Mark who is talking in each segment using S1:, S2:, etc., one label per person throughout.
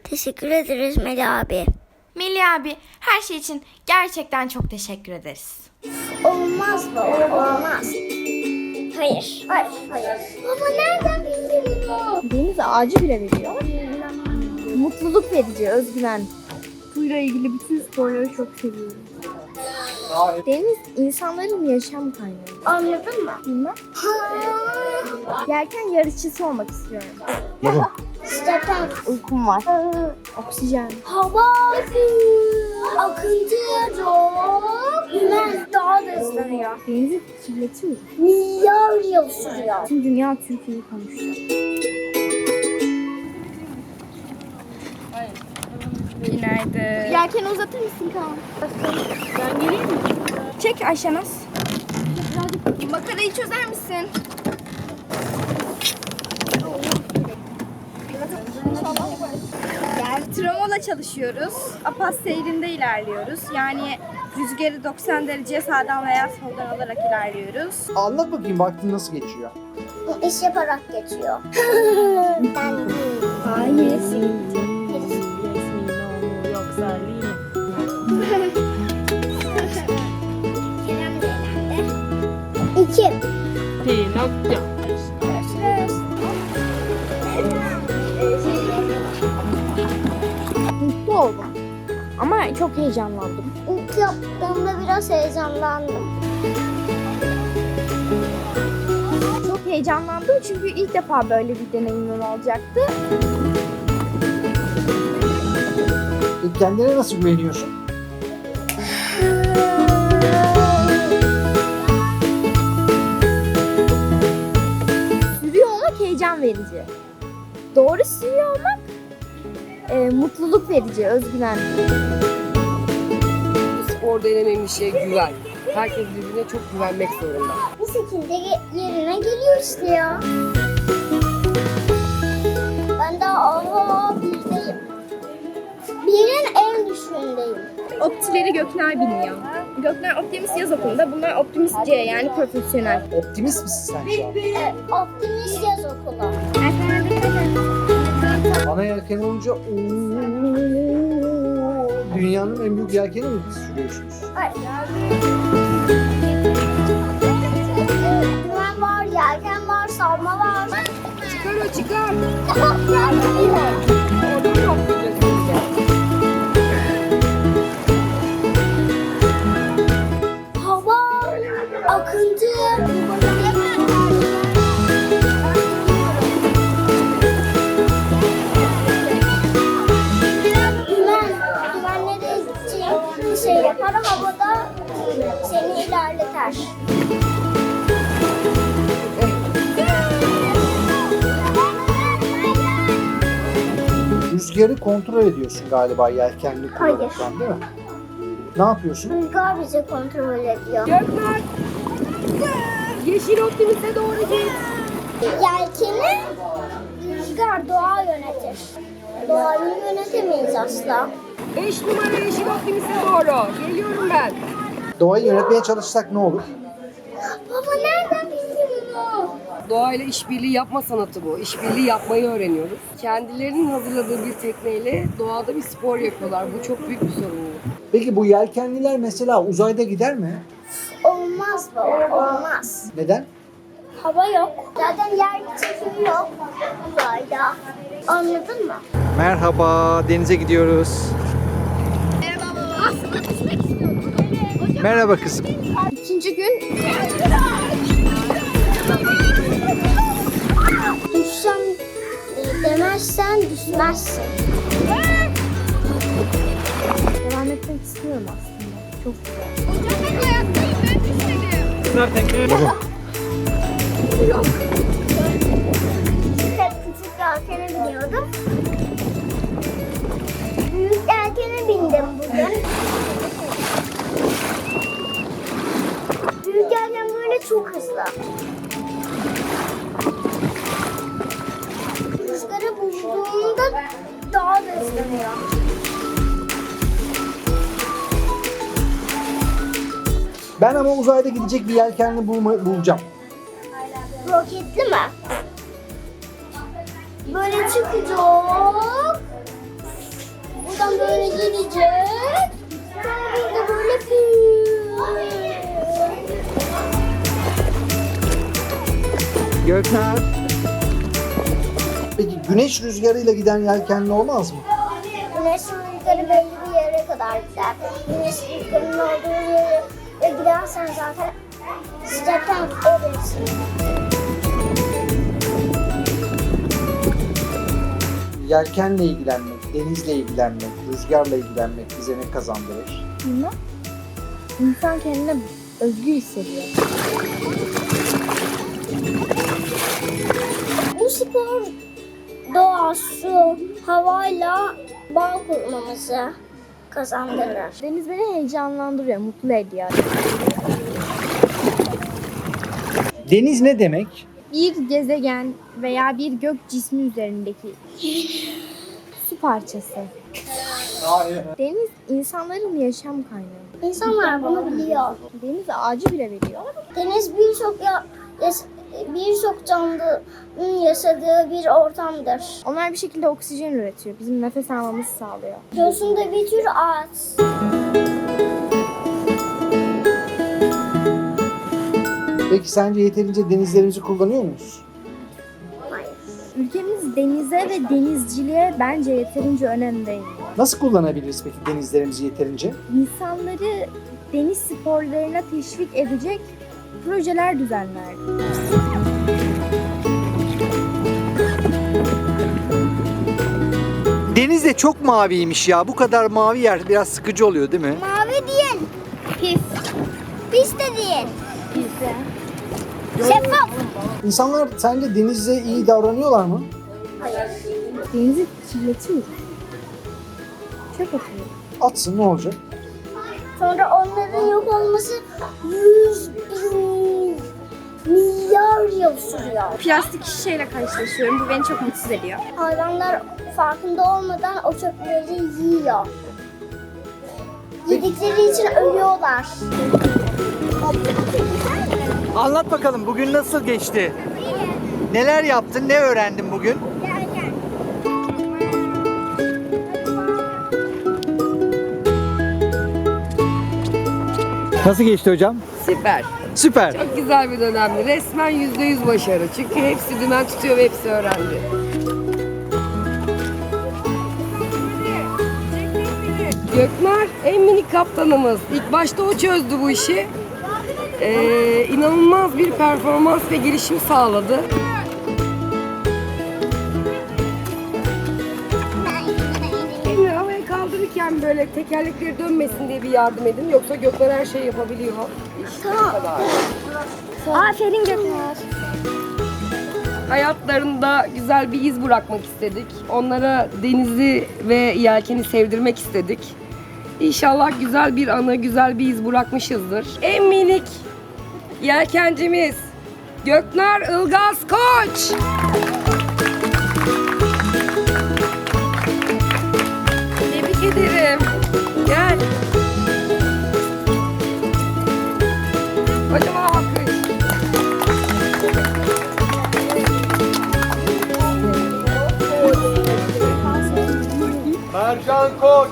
S1: Teşekkür ederiz Melih abi.
S2: Melih abi, her şey için gerçekten çok teşekkür ederiz.
S1: Olmaz baba, olmaz. Hayır. Baba nereden bildin bunu?
S3: Deniz ağacı bile veriyor. Mutluluk verici, özgüven. Suyla ilgili bütün sporları çok seviyorum. Deniz insanların yaşam kaynağı.
S1: Anladın mı?
S3: Bilmem. Yelken yarışçısı olmak istiyorum.
S1: Stefan.
S3: Uykum var. Oksijen.
S1: Hava. Akıntı yok. Hemen daha da ıslanıyor.
S3: Denizi kirletiyor.
S1: Milyar yıl sürüyor.
S3: Tüm dünya Türkiye'yi konuşuyor.
S2: Günaydın.
S3: Yelkeni uzatır mısın Kaan? Ben geleyim mi?
S2: Çek Ayşenaz.
S3: Makarayı çözer misin? Yani tramola çalışıyoruz. Apas seyrinde ilerliyoruz. Yani rüzgarı 90 dereceye sağdan veya soldan alarak ilerliyoruz.
S4: Anlat bakayım vaktin nasıl geçiyor?
S1: İş yaparak geçiyor. Ben
S3: Hayır.
S1: Kerem de ileride. 2.
S5: Pinokyo.
S1: Görüşürüz.
S3: Mutlu oldum. Ama çok heyecanlandım.
S1: İlk yaptığımda biraz heyecanlandım.
S3: Çok heyecanlandım çünkü ilk defa böyle bir deneyimim olacaktı.
S4: Kendine nasıl güveniyorsun?
S3: Sürüyor olmak heyecan verici. Doğru sürüyor olmak mutluluk verici, özgüven.
S5: Spor denilen bir şey güven. Herkes birbirine çok güvenmek zorunda.
S1: Bir şekilde yerine geliyor işte ya. Ben daha birdeyim. Birin en düşüğündeyim.
S3: Optileri Gökner biniyor. Gökner Optimist yaz okulunda, bunlar Optimist C yani profesyonel.
S4: Optimist misin sen şu an?
S1: Evet, Optimist yaz okulu.
S4: Ana yelken olunca dünyanın en büyük yelkeni mi sürüyorsunuz?
S1: Güven var, yelken var, salma var.
S5: Çıkar o çıkar.
S1: Hava, akıntı. Güvenleri için bir şey yapar, havada seni ilerleter.
S4: Rüzgarı kontrol ediyorsun galiba yelkenli
S1: Hayır.
S4: kullanırken değil mi? Ne yapıyorsun?
S1: Rüzgar bizi kontrol ediyor.
S5: Gökmen. Yeşil Optimist'e doğru git.
S1: Yelkeni rüzgar, doğa yönetir. Doğayı yönetemeyiz asla.
S5: 5 numara Yeşil Optimist'e doğru. Geliyorum ben.
S4: Doğayı yönetmeye çalışsak ne olur?
S1: Baba nereden bildin bunu?
S5: Doğayla işbirliği yapma sanatı bu. İşbirliği yapmayı öğreniyoruz. Kendilerinin hazırladığı bir tekneyle doğada bir spor yapıyorlar. Bu çok büyük bir sorumluluk.
S4: Peki bu yelkenliler mesela uzayda gider mi?
S1: Olmaz baba, olmaz.
S4: Neden?
S1: Hava yok. Zaten yer çekimi yok uzayda. Anladın mı?
S4: Merhaba, denize gidiyoruz. Merhaba kızım.
S3: İkinci gün
S1: Düşsem demezsen düşmezsin.
S3: devam etmek istiyorum aslında. Çok güzel.
S1: Hep küçük yelkene biniyordum. Büyük yelkene bindim bugün. Büyük yelken böyle çok hızlı. Rüzgarı bulduğunda daha da hızlanıyor.
S4: Ben ama uzayda gidecek bir yelkenli bulacağım.
S1: Roketli mi? Böyle çıkacak. buradan böyle gidecek. Sonra burada böyle
S4: Gökler. Peki güneş rüzgarıyla giden yelkenli olmaz mı?
S1: Güneş rüzgarı belli bir yere kadar gider. Güneş rüzgarının olduğu yere gidersen zaten sıcaktan ölürsün.
S4: Yelkenle ilgilenmek, denizle ilgilenmek, rüzgarla ilgilenmek bize ne kazandırır?
S3: Bilmem. İnsan kendine özgür hissediyor.
S1: Bu spor doğa, su, havayla bağ kurmamızı kazandırır.
S3: Deniz beni heyecanlandırıyor, mutlu ediyor.
S4: Deniz ne demek?
S3: Bir gezegen veya bir gök cismi üzerindeki su parçası. Deniz insanların yaşam kaynağı.
S1: İnsanlar bunu biliyor.
S3: Deniz ağacı bile veriyor.
S1: Deniz birçok canlının yaşadığı bir ortamdır.
S3: Onlar bir şekilde oksijen üretiyor. Bizim nefes almamızı sağlıyor.
S1: Yosun'da bir tür ağaç.
S4: Peki sence yeterince denizlerimizi kullanıyor muyuz?
S3: Ülkemiz denize ve denizciliğe bence yeterince önem veriyor.
S4: Nasıl kullanabiliriz peki denizlerimizi yeterince?
S3: İnsanları deniz sporlarına teşvik edecek projeler düzenler.
S4: Deniz de çok maviymiş ya. Bu kadar mavi yer biraz sıkıcı oluyor değil mi?
S1: Mavi değil. Pis. Pis de değil. Şeffaf.
S4: İnsanlar sence denize iyi davranıyorlar mı?
S3: Denizi kirletiyor. Çöp atıyor.
S4: Atsın ne olacak?
S1: Sonra onların yok olması 100 bin milyar yıl sürüyor.
S3: Plastik şişeyle karşılaşıyorum. Bu beni çok mutsuz ediyor.
S1: Hayvanlar farkında olmadan o çöpleri yiyor. Yedikleri için ölüyorlar.
S4: Anlat bakalım bugün nasıl geçti? Neler yaptın? Ne öğrendin bugün? Nasıl geçti hocam?
S5: Süper.
S4: Süper.
S5: Çok güzel bir dönemdi. Resmen %100 başarı. Çünkü hepsi dümen tutuyor ve hepsi öğrendi. Gökmer en minik kaptanımız. İlk başta o çözdü bu işi. İnanılmaz bir performans ve gelişim sağladı. Elini havaya kaldırırken böyle tekerlekleri dönmesin diye bir yardım edin. Yoksa Gökmer her şeyi yapabiliyor. İşte bu kadar.
S3: Aferin Gökmer.
S5: Hayatlarında güzel bir iz bırakmak istedik. Onlara denizi ve yelkeni sevdirmek istedik. İnşallah güzel bir anı, güzel bir iz bırakmışızdır. En minik yelkencimiz Gökner Ilgaz Koç. Tebrik ederim. Gel. Kocaman alkış.
S4: Mercan Koç.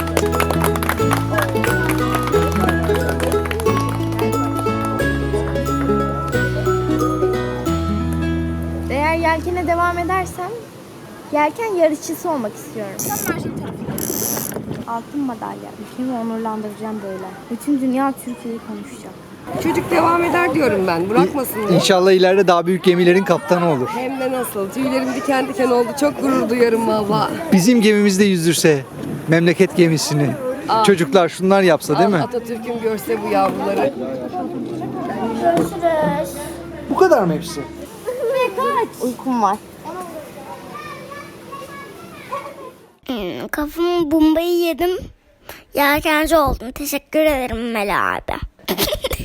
S3: Eğer yelkene devam edersem yelken yarışçısı olmak istiyorum. Altın madalya. Ülkemi onurlandıracağım böyle. Bütün dünya Türkiye'yi konuşacak.
S5: Çocuk devam eder diyorum ben. Bırakmasın diye.
S4: İnşallah ileride daha büyük gemilerin kaptanı olur.
S5: Hem de nasıl. Tüylerim diken diken oldu. Çok gurur duyarım valla.
S4: Bizim gemimizde yüzdürse memleket gemisini. Çocuklar şunlar yapsa değil mi?
S5: Atatürk'üm görse bu yavruları.
S1: Görüşürüz.
S4: Bu kadar mı hepsi?
S3: Uykum var.
S1: Kafamın bombayı yedim. Yelkenci oldum. Teşekkür ederim Mela abi.